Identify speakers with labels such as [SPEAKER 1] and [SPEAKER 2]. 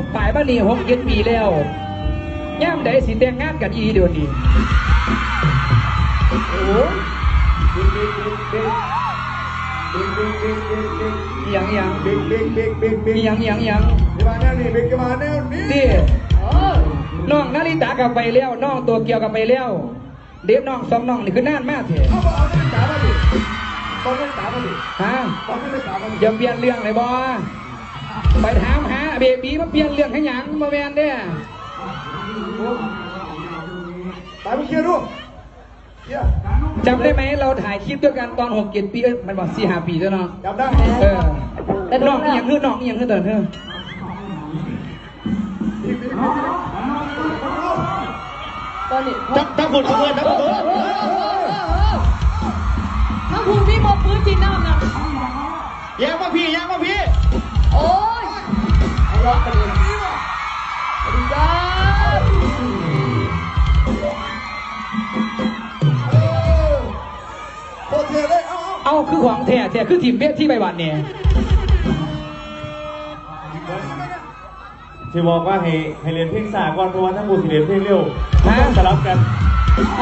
[SPEAKER 1] ปลายบ้านนี้6-7 ปีแล้วย่ามใดสิแต่งงานกันอีเดี๋ยวนี้โอ้ยังยัง
[SPEAKER 2] มาแนวนี้บิ๊กมาแนวนี้
[SPEAKER 1] ดิน้องนาริตากลับไปแล้วน้องตัวเกียวกลับไปแล้วเด็กน้อง2น้องนี่คือนานมากเถอะ
[SPEAKER 2] เอาเอาไม่จ๋ามาดิต้องไม่จ๋ามาดิ
[SPEAKER 1] ฮะ
[SPEAKER 2] ต้องไม่จ๋ามาดิ
[SPEAKER 1] อย่าเปลี่ยนเรื่องเลยบอไปถามหาเบบีมาเปลี่ยนเรื่องให้หยังมาแมนเด้
[SPEAKER 2] ตายมึงเคลียร์ดู
[SPEAKER 1] จำได้ไหมเราถ่ายคลิปด้วยกันตอน6-7 ปีมันบอก4-5 ปีแล้วเนาะ
[SPEAKER 2] จำได้
[SPEAKER 1] แต่น้องยังคือน้องยังคือเดินเถอะ
[SPEAKER 3] ตอนนี้
[SPEAKER 2] ทั้งฝุ่นทั้งเงินทั้งฝุ่น
[SPEAKER 3] ทั้งคุณพี่มอบปืนจีนน้ำนะ
[SPEAKER 2] แย่มาพี่
[SPEAKER 3] โอ้ยเอาล็อกกันเลยสวัสดีครับ
[SPEAKER 2] โคตรเท่เลย
[SPEAKER 1] เอาคือของแท้คือทีมเบี้ยที่ใบบัตรเนี่ย
[SPEAKER 4] ที่บอกว่าให้เรียนเพลงสากลเพราะว่าทั้งหมดสิเรียนเพลงเร็วสลับกัน